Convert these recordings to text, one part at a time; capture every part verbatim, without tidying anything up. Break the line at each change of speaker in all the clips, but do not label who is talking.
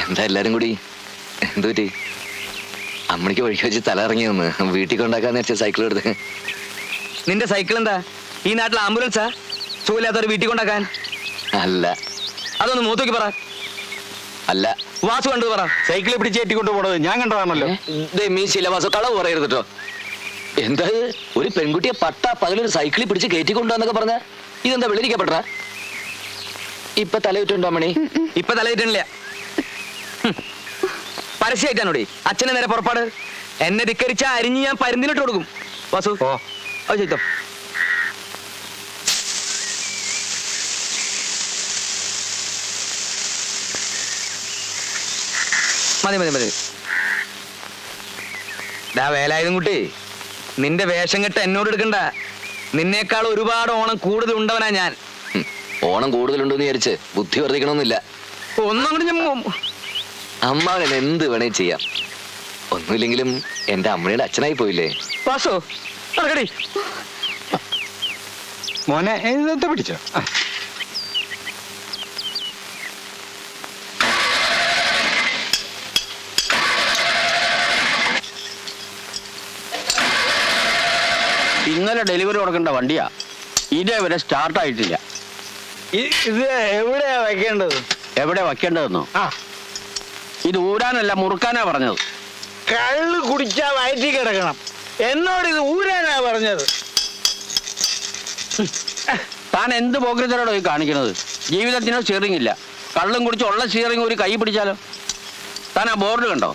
എന്താ എല്ലാരും കൂടി എന്തു പറ്റി? അമ്മണിക്ക് വഴിക്ക് വെച്ച് തല ഇറങ്ങി വന്ന് വീട്ടിൽ കൊണ്ടാക്കാന്ന് വെച്ച സൈക്കിൾ എടുത്ത്.
നിന്റെ സൈക്കിൾ എന്താ ഈ നാട്ടിൽ ആംബുലൻസാ? സുഖമില്ലാത്തവർ വീട്ടിൽ കൊണ്ടാക്കാൻ?
അല്ല.
അതൊന്ന് മൂത്തോക്കി പറ.
അല്ല.
വാസു കണ്ടു പറ.
സൈക്കിളിൽ പിടിച്ച് കയറ്റിക്കൊണ്ട് പോണത് ഞാൻ കണ്ടതാണല്ലോ.
മീ ശിലവാസ കളവ് പറയരുത് കേട്ടോ. എന്താ ഒരു പെൺകുട്ടിയെ പട്ട പകലൊരു സൈക്കിളിൽ പിടിച്ച് കയറ്റിക്കൊണ്ടുവന്നൊക്കെ പറഞ്ഞ ഇതെന്താ വെളിരിക്കപ്പെട്ട? ഇപ്പൊ തലയിട്ടുണ്ടോ അമ്മണി?
ഇപ്പൊ തലയിട്ടില്ല. പരസ്യമായിട്ടാണോടി അച്ഛനെ നേരെ പുറപ്പാട്. എന്നെ ധിക്കരിച്ച അരിഞ്ഞ് ഞാൻ പരുന്തിനിട്ട് കൊടുക്കും. വാസു
ഓ
അത് ചെയ്തോ. മതി മതി മതി. ഡാ വേലായുധം കുട്ടി, നിന്റെ വേഷം കെട്ട് എന്നോട് എടുക്കണ്ട. നിന്നേക്കാൾ ഒരുപാട് ഓണം കൂടുതൽ ഉണ്ടവനാ ഞാൻ.
ഓണം കൂടുതലുണ്ടെന്ന് വിചാരിച്ച് ബുദ്ധി വർദ്ധിക്കണമെന്നില്ല.
ഒന്നും കൂടി ഞാൻ
അമ്മാവൻ എന്ത് വേണേ ചെയ്യാം. ഒന്നുമില്ലെങ്കിലും എന്റെ അമ്മയുടെ അച്ഛനായി പോയില്ലേ.
വാസു നടക്കടി.
മോനെ ഇതൊക്കെ പിടിച്ചോ.
ഇന്നലെ ഡെലിവറി കൊടുക്കേണ്ട വണ്ടിയാ, ഇതേവരെ സ്റ്റാർട്ട് ആയിട്ടില്ല.
ഇത് എവിടെയാ വെക്കേണ്ടത്?
എവിടെ വെക്കേണ്ടതെന്നോ?
ആ,
ഇത് ഊരാനല്ല മുറുക്കാനാ പറഞ്ഞത്.
കള്ള് കുടിച്ചാ വയറ്റി കിടക്കണം. എന്നോട് ഇത് ഊരാനാ പറഞ്ഞത്.
താൻ എന്ത് പോക്കറ്റിലോടോ ഈ കാണിക്കുന്നത്? ജീവിതത്തിനോ സ്റ്റിയറിംഗ് ഇല്ല. കള്ളും കുടിച്ച് ഉള്ള സ്റ്റിയറിംഗ് ഒരു കൈ പിടിച്ചാലോ? താൻ ആ ബോർഡ് കണ്ടോ?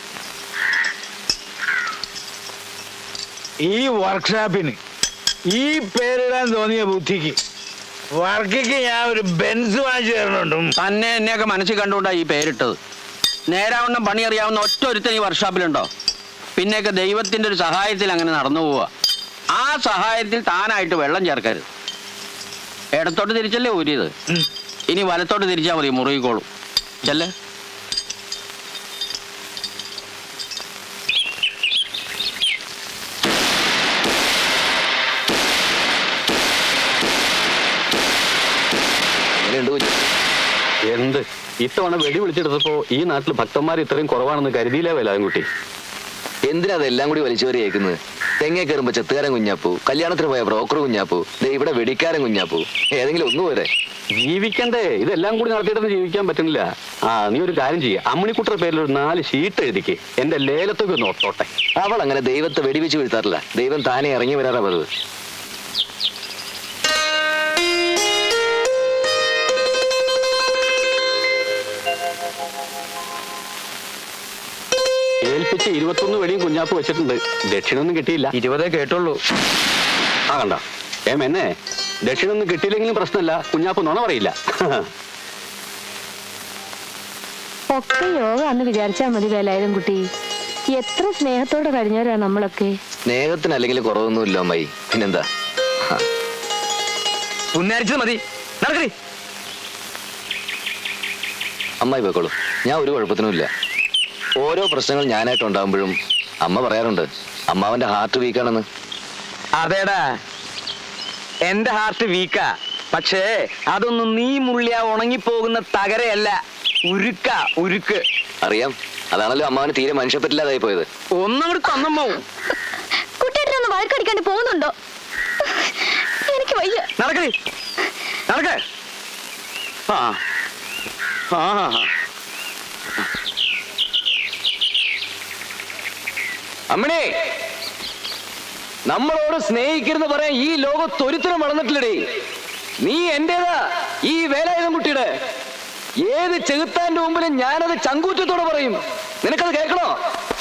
ഈ വർക്ക്ഷോപ്പിന് ഈ പേരിടാൻ തോന്നിയ ബുദ്ധിക്ക് വർക്കിക്ക് ഞാൻ ഒരു ബെൻസ് വാങ്ങിച്ചു തരണുണ്ട്.
തന്നെ എന്നെയൊക്കെ മനസ്സിൽ കണ്ടുകൊണ്ടാ ഈ പേരിട്ടത്. നേരാവണ്ണം പണി അറിയാവുന്ന ഒറ്റ ഒരുത്തൻ ഈ വർക്ക്ഷോപ്പിലുണ്ടോ? പിന്നെയൊക്കെ ദൈവത്തിന്റെ ഒരു സഹായത്തിൽ അങ്ങനെ നടന്നു പോവുക. ആ സഹായത്തിൽ താനായിട്ട് വെള്ളം ചേർക്കരുത്. ഇടത്തോട്ട് തിരിച്ചല്ലേ ഊരിയത്, ഇനി വലത്തോട്ട് തിരിച്ചാൽ മതി, മുറുകിക്കോളും. ചെല്ലേ.
എന്ത് ഇത്തവണ വെടി വിളിച്ചെടുത്തപ്പോ ഈ നാട്ടിൽ ഭക്തന്മാർ ഇത്രയും കുറവാണെന്ന് കരുതിയില്ല വേലാൻകുട്ടി.
എന്തിനാ അതെല്ലാം കൂടി വലിച്ചുവരി കേൾക്കുന്നത്? തെങ്ങേ കയറുമ്പോ ചെത്തുകാരൻ കുഞ്ഞാപ്പൂ, കല്യാണത്തിന് പോയ ബ്രോക്കർ കുഞ്ഞാപ്പൂ, ഇവിടെ വെടിക്കാരൻ കുഞ്ഞാപ്പൂ. ഏതെങ്കിലും ഒന്നു പോരെ?
ജീവിക്കണ്ടേ? ഇതെല്ലാം കൂടി നടത്തിയിട്ടൊന്നും ജീവിക്കാൻ പറ്റുന്നില്ല. ആ നീ ഒരു കാര്യം ചെയ്യ, അമ്മിണിക്കുട്ടരുടെ പേരിൽ ഒരു നാല് ഷീട്ട് എഴുതിക്ക്, എന്റെ ലേലത്തൊക്കെ ഒന്ന് ഓർത്തോട്ടെ.
അവൾ അങ്ങനെ ദൈവത്തെ വെടിവെച്ച് വീഴ്ത്താറില്ല. ദൈവം താനെ ഇറങ്ങി വരാറാ പതിവ്.
ഏൽപ്പിച്ച് ഇരുപത്തൊന്ന് വെടിയും കുഞ്ഞാപ്പ് വെച്ചിട്ടുണ്ട്. ദക്ഷിണൊന്നും കിട്ടിയില്ല.
ഇരുപതേ കേട്ടുള്ളൂ.
ആ കണ്ട ഏം എന്നെ ദക്ഷിണൊന്നും കിട്ടിയില്ലെങ്കിലും പ്രശ്നമല്ല, കുഞ്ഞാപ്പ് നുണ പറയില്ല.
ഒക്കെ യോഗ എന്ന് വിചാരിച്ചാ മതി വേലായുധം കുട്ടി. എത്ര സ്നേഹത്തോടെ കഴിഞ്ഞവരാ നമ്മളൊക്കെ.
സ്നേഹത്തിന് അല്ലെങ്കിൽ കുറവൊന്നുമില്ല അമ്മായി. പിന്നെന്താ?
പുന്നാരിച്ചത് മതി. നടക്കടി.
അമ്മായി പോയിക്കോളൂ, ഞാൻ ഒരു കുഴപ്പത്തിനുമില്ല. ഓരോ പ്രശ്നങ്ങൾ ഞാനായിട്ട് ഉണ്ടാകുമ്പോഴും അമ്മ പറയാറുണ്ട് അമ്മാവന്റെ ഹാർട്ട് വീക്കാണെന്ന്.
അതേടാ, എന്റെ ഹാർട്ട് വീക്കാ. പക്ഷേ അതൊന്നും നീ മുള്ളിയ ഉണങ്ങിപ്പോകുന്ന തകരയല്ല, ഉരുക്ക ഉരുക്ക്.
അറിയാം, അതാണല്ലോ അമ്മാവന് തീരെ മനുഷ്യപ്പറ്റില്ലാതായി പോയത്.
ഒന്നങ്ങോട്ട് തന്നമ്മോ.
കുട്ടിയേട്ടനൊന്ന് വഴക്കടിക്കാണ്ട് പോകുന്നുണ്ടോ? എനിക്ക് വയ്യ.
നടക്കടി, നടക്ക. ആ ആ
അമ്മണേ, നമ്മളോട് സ്നേഹിക്കരുന്ന് പറയാൻ ഈ ലോകത്ത് ഒരുത്തരം വളർന്നിട്ടില്ലടേ. നീ എന്റേതാ, ഈ വേലായുധം കുട്ടിയുടെ. ഏത് ചെകുത്താന്റെ മുമ്പിലും ഞാനത് ചങ്കൂറ്റത്തോടെ പറയും. നിനക്കത് കേൾക്കണോ?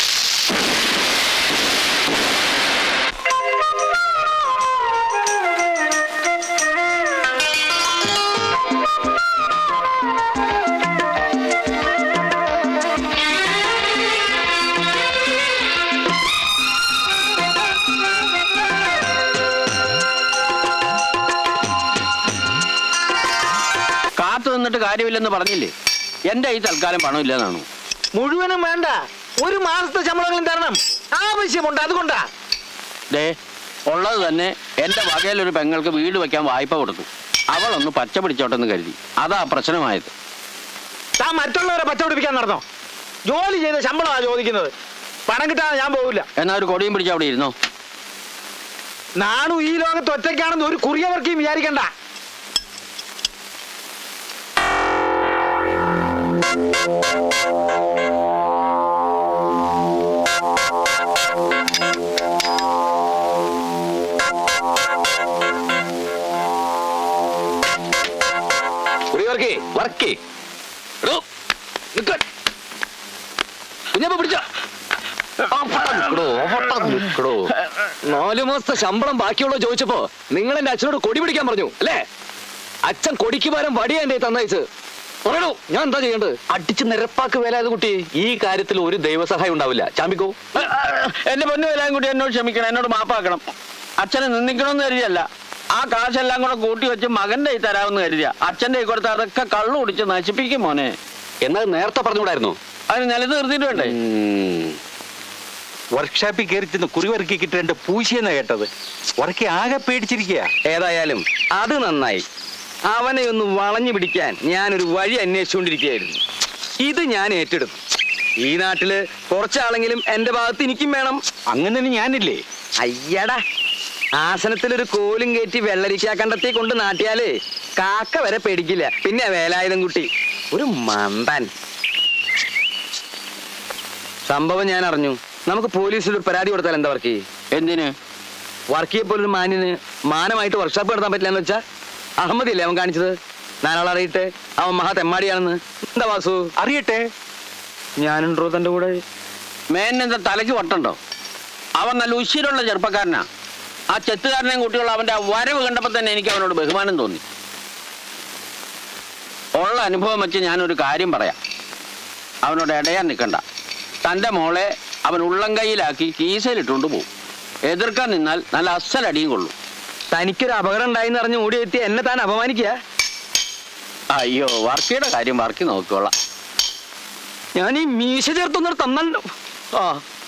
നിന്നിട്ട് കാര്യമില്ലെന്ന് പറഞ്ഞില്ലേ? എന്റെ ഈ തൽക്കാലം പണമില്ലെന്നാണോ?
മുഴുവനും വേണ്ട, ഒരു മാസത്തെ ശമ്പളങ്ങളും തരണം. ആവശ്യമുണ്ട്, അതുകൊണ്ടാ.
ദേ ഉള്ളത് തന്നെ എന്റെ വകയിലൊരു പെങ്ങൾക്ക് വീട് വെക്കാൻ വായ്പ കൊടുത്തു. അവളൊന്ന് പച്ച പിടിച്ചോട്ടെന്ന് കരുതി. അതാ പ്രശ്നമായത്.
താൻ മറ്റുള്ളവരെ പച്ച പിടിപ്പിക്കാൻ നടന്നോ? ജോലി ചെയ്ത ശമ്പളമാണ് ചോദിക്കുന്നത്. പണം കിട്ടാതെ ഞാൻ പോകില്ല.
എന്നാ ഒരു കൊടിയും പിടിച്ച് അവിടെ ഇരുന്നോ.
നാണു ഈ ലോകത്ത് ഒറ്റയ്ക്കാണെന്ന് ഒരു കുറിയവർക്കും വിചാരിക്കണ്ട.
വർക്കി വർക്കി കുഞ്ഞപ്പ പിടിച്ചോ. നാലു മാസത്തെ ശമ്പളം ബാക്കിയുള്ള ചോദിച്ചപ്പോ നിങ്ങൾ എന്റെ അച്ഛനോട് കൊടി പിടിക്കാൻ പറഞ്ഞു അല്ലേ? അച്ഛൻ കൊടിക്ക് പകരം വടിയാ എന്റെ തന്നയച്ച്. പറയണോ ഞാൻ എന്താ ചെയ്യേണ്ടത്?
അടിച്ച് നിരപ്പാക്ക് വേലായത് കുട്ടി. ഈ കാര്യത്തിൽ ഒരു ദൈവസഹായം ഉണ്ടാവില്ല. ചാമ്പിക്കോ.
എന്റെ പൊന്നു എല്ലാം കൂടി എന്നോട് ക്ഷമിക്കണം, എന്നോട് മാപ്പാക്കണം. അച്ഛനെ നിന്ദിക്കണമെന്ന് കരുതിയല്ല, ആ കാശെല്ലാം കൂടെ കൂട്ടി വെച്ച് മകന്റെ കൈ തരാമെന്ന് കരുതിയ. അച്ഛന്റെ കൈ കൊടുത്ത് അതൊക്കെ കള്ളു കുടിച്ച് നശിപ്പിക്കും മോനെ.
എന്നാൽ നേരത്തെ പറഞ്ഞുകൂടായിരുന്നു?
അതിന് നിലത്ത് നിർത്തിയിട്ട് വേണ്ടേ?
വർക്ക്ഷോപ്പിൽ കയറി ചെന്ന് കുറിവർക്കി കിട്ടേണ്ട പൂശിയെന്നാ കേട്ടത്. വർക്കി ആകെ പേടിച്ചിരിക്കുക.
ഏതായാലും അത് നന്നായി. അവനെ ഒന്ന് വളഞ്ഞു പിടിക്കാൻ ഞാനൊരു വഴി അന്വേഷിച്ചുകൊണ്ടിരിക്കുകയായിരുന്നു. ഇത് ഞാൻ ഏറ്റെടുത്തു. ഈ നാട്ടില് കുറച്ചാളെങ്കിലും എന്റെ ഭാഗത്ത് എനിക്കും വേണം.
അങ്ങനെ ഞാനില്ലേ?
അയ്യടാ, ആസനത്തിലൊരു കോലും കയറ്റി വെള്ളരിക്കാ കണ്ടത്തി കൊണ്ട് നാട്ടിയാല് കാക്ക വരെ പേടിക്കില്ല. പിന്നെ വേലായുധം കുട്ടി ഒരു മന്ദൻ. സംഭവം ഞാൻ അറിഞ്ഞു. നമുക്ക് പോലീസിൽ ഒരു പരാതി കൊടുത്താൽ എന്താ വർക്കി?
എന്തിന്?
വർക്കിയെ പോലൊരു മാന്യന് മാനമായിട്ട് വർക്ക്ഷോപ്പ് നടത്താൻ പറ്റില്ല എന്ന് വെച്ചാ അഹമ്മദില്ലേ അവൻ കാണിച്ചത്? നാലാളറിയിട്ട് അവൻ മഹാ തെമ്മാടിയാണെന്ന്. എന്താ വാസു?
അറിയട്ടെ.
ഞാനുണ്ടോ തന്റെ കൂടെ?
മേനെന്താ തലയ്ക്ക് വട്ടുണ്ടോ? അവൻ നല്ല ഉശിരുള്ള ചെറുപ്പക്കാരനാ. ആ ചെത്തുകാരനെയും കുട്ടിയുള്ള അവന്റെ ആ വരവ് കണ്ടപ്പോ തന്നെ എനിക്ക് അവനോട് ബഹുമാനം തോന്നി. ഉള്ള അനുഭവം വെച്ച് ഞാനൊരു കാര്യം പറയാം. അവനോട് ഇടയാൻ നിൽക്കണ്ട. തന്റെ മോളെ അവൻ ഉള്ളം കൈയിലാക്കി കീസയിലിട്ടുകൊണ്ട് പോകും. എതിർക്കാൻ നിന്നാൽ നല്ല അസലടിയും കൊള്ളും.
തനിക്കൊരു അപകടം ഉണ്ടായിന്ന് അറിഞ്ഞ് ഓടി എത്തി എന്നെ താൻ അപമാനിക്കുക?
അയ്യോ, വർക്കിയുടെ കാര്യം വർക്കി നോക്കിക്കോളാം.
ഞാൻ ഈ മീശ ചേർത്തൊന്നും തന്നല്ലോ. ആ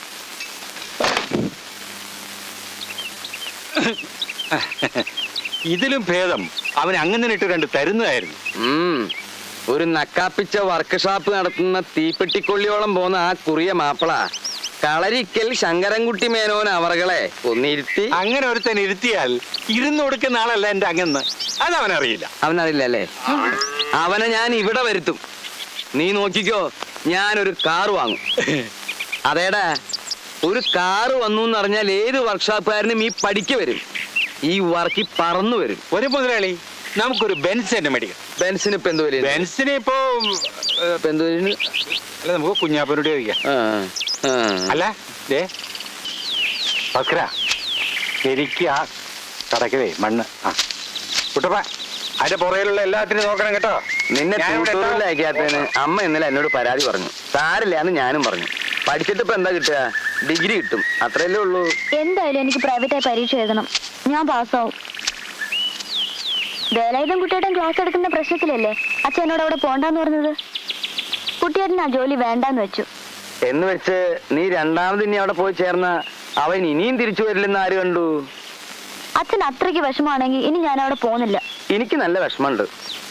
ഇതിലും ഭേദം അവൻ അങ്ങനെ ഇട്ട് രണ്ട് തരുന്നതായിരുന്നു.
ഉം ഒരു നക്കാപ്പിച്ച വർക്ക്ഷോപ്പ് നടത്തുന്ന തീപ്പെട്ടിക്കൊള്ളിയോളം പോന്ന ആ കുറിയ മാപ്പിള കളരിക്കൽ ശങ്കരൻകുട്ടി മേനോൻ അവറുകളെ ഒന്നിരുത്തി.
അങ്ങനെ ഒരുത്തൻ ഇരുത്തിയാൽ ഇരുന്ന് കൊടുക്കുന്ന ആളല്ല എന്റെ അങ്ങന്ന്. അത് അവനറിയില്ല.
അവനറിയില്ല അല്ലേ? അവനെ ഞാൻ ഇവിടെ വരുത്തും. നീ നോക്കിക്കോ, ഞാനൊരു കാറ് വാങ്ങും. അതേടാ, ഒരു കാറ് വന്നു എന്നറിഞ്ഞാൽ ഏത് വർക്ക്ഷോപ്പുകാരനും ഈ പഠിക്ക് വരും. ഈ വർക്കി പറന്നു വരും.
ഒരു മുതലാളി, നമുക്കൊരു ബെൻസ് തന്നെ മേടിക്കാം.
ബെൻസിന് ഇപ്പൊ എന്ത് വരും?
ബെൻസിന് ഇപ്പോ
ഇപ്പൊ എന്ത് വരും?
അല്ല, നമുക്ക് കുഞ്ഞാപ്പനോട് ചോദിക്കാം.
ആ ആ
അല്ല ദേ ഭക്ര, എനിക്ക് ആ കടക്കവേ മണ്ണ്. ആ കുട്ടപ്പ, അതിന്റെ പുറയിലുള്ള എല്ലാത്തിനും നോക്കണം കേട്ടോ.
നിന്നെ ട്യൂട്ടോറിയലാക്കിയാത്തതിന് അമ്മ ഇന്നലെ എന്നോട് പരാതി പറഞ്ഞു. സാരില്ലാന്ന് ഞാനും പറഞ്ഞു. പഠിച്ചിട്ട് ഇപ്പൊ എന്താ കിട്ടുക? ഡിഗ്രി കിട്ടും, അത്രയല്ലേ ഉള്ളൂ.
എന്തായാലും എനിക്ക് പ്രൈവറ്റായി പരീക്ഷ എഴുതണം. ഞാൻ പാസ്സാവും. വേലായുധം കുട്ടിയേട്ടൻ ക്ലാസ് എടുക്കുന്ന പ്രശ്നത്തിലല്ലേ അച്ഛൻ എന്നോട് അവിടെ പോണ്ടെന്ന് പറഞ്ഞത്? കുട്ടിയേട്ടൻ ആ ജോലി വേണ്ടാന്ന് വെച്ചു.
എന്ന് വെച്ച് നീ രണ്ടാമത് ഇനി അവിടെ പോയി ചേർന്ന അവൻ ഇനിയും തിരിച്ചു വരില്ലെന്ന് ആര് കണ്ടു?
അച്ഛൻ അത്രയ്ക്ക് വിഷമാണെങ്കിൽ ഇനി ഞാൻ അവിടെ പോകുന്നില്ല.
എനിക്ക് നല്ല വിഷമമുണ്ട്.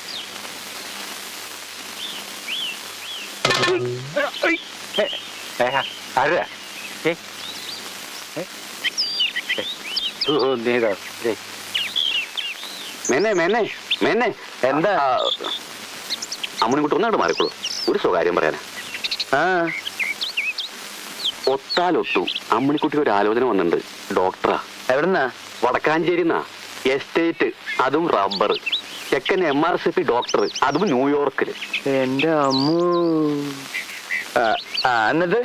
ആരാ?
മേനെ മേനെ മേനെ എന്താ? അമ്മണിക്കുട്ടി ഒന്നായിട്ട് മാറിക്കോളൂ. ഒരു സ്വകാര്യം പറയാനാ.
ആ
ഒത്താലൊട്ടു അമ്മണിക്കുട്ടിക്ക് ഒരു ആലോചന വന്നിട്ടുണ്ട്. ഡോക്ടറാ.
എവിടുന്നാ?
വടക്കാഞ്ചേരിന്നാ. എസ്റ്റേറ്റ്, അതും റബ്ബർ. ചെക്കൻ M R C P doctor, അതും ന്യൂയോർക്കില്.
എന്റെ അമ്മു. ആ എന്നിട്ട്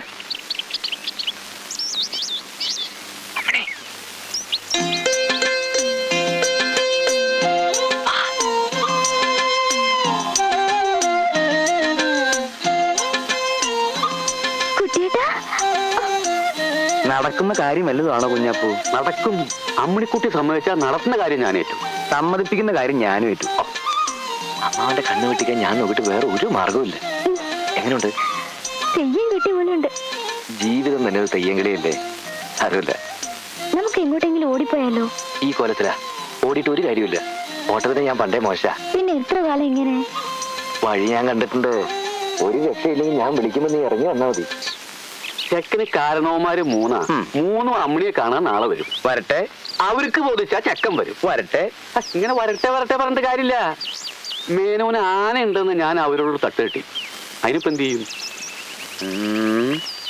നടക്കുന്ന കാര്യം വല്ലതുമാണോ കുഞ്ഞാപ്പൂ?
നടക്കും. അമ്മണിക്കുട്ടി സമ്മതിച്ചാൽ നടത്തുന്ന കാര്യം ഞാൻ ഏറ്റു.
സമ്മതിപ്പിക്കുന്ന കാര്യം ഞാനും ഏറ്റു.
അമ്മാവന്റെ കണ്ണു വെട്ടിക്കാൻ ഞാൻ നോക്കിയിട്ട് വേറെ ഒരു മാർഗവുമില്ല. എങ്ങനെയുണ്ട്?
തെയ്യം കിട്ടി പോലുണ്ട്.
ജീവിതം തന്നെ ഒരു തെയ്യങ്കളിയല്ലേ? അറിയില്ല.
നമുക്ക് എങ്ങോട്ടെങ്കിലും ഓടിപ്പോയാലോ?
ഈ കോലത്തിലാ ഓടിയിട്ട് ഒരു കാര്യമില്ല. ഓട്ടത്തിന് ഞാൻ പണ്ടേ മോശ.
പിന്നെ എത്ര കാലം ഇങ്ങനെ?
വഴി ഞാൻ കണ്ടിട്ടുണ്ട്.
ഒരു രക്ഷയില്ലെങ്കിൽ ഞാൻ വിളിക്കുമ്പോ നീ ഇറങ്ങി വന്നാ മതി.
ചെക്കന് കാരണവന്മാര് മൂന്നാ
ഉം.
മൂന്നും അമ്മിണിയെ കാണാൻ നാളെ വരും.
വരട്ടെ
അവർക്ക് ബോധിച്ചാ ചെക്കൻ വരും.
വരട്ടെ.
ആ, ഇങ്ങനെ വരട്ടെ വരട്ടെ പറഞ്ഞിട്ട് കാര്യമില്ല. മേനോന് ആന ഉണ്ടെന്ന് ഞാൻ അവരോട് തട്ട് കെട്ടി. അതിനിപ്പോ എന്ത് ചെയ്യും?
ഉം.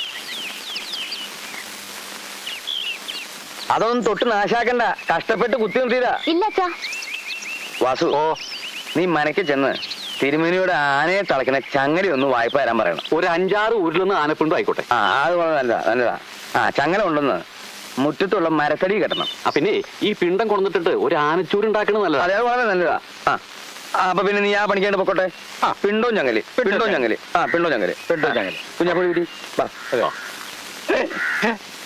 അതൊന്നും തൊട്ട് നാശാക്കണ്ട, കഷ്ടപ്പെട്ട് കുത്തി നിർത്തിയതാ.
ഇല്ല അച്ഛാ.
വാസു, ഓ നീ മനക്ക് ചെന്ന് തിരുമേനിയുടെ ആനയെ തളയ്ക്കുന്ന ചങ്ങല ഒന്ന് വായ്പ തരാൻ പറയണം.
ഒരു അഞ്ചാറ് ഊരിലൊന്ന് ആനപ്പിണ്ടോ ആയിക്കോട്ടെ.
ആ അത് വളരെ നല്ലതാ നല്ലതാ. ആ ചങ്ങല ഉണ്ടെന്ന് മുറ്റത്തുള്ള മരത്തടി കെട്ടണം.
ആ പിന്നെ ഈ പിണ്ടം കൊണ്ടിട്ട് ഒരു ആനച്ചൂര് ഉണ്ടാക്കണത് നല്ലതാ.
അതെ അത് വളരെ നല്ലതാ. ആ ആ, അപ്പൊ പിന്നെ നീ ആ പണിക്കേണ്ട പൊക്കോട്ടെ. ആ പിണ്ടോ ഞങ്ങല് പിണ്ടോ ഞങ്ങല് ആ പിണ്ടോ ഞങ്ങല് പിണ്ടോ ഞങ്ങല് കുഞ്ഞാപ്പുഴ വാ.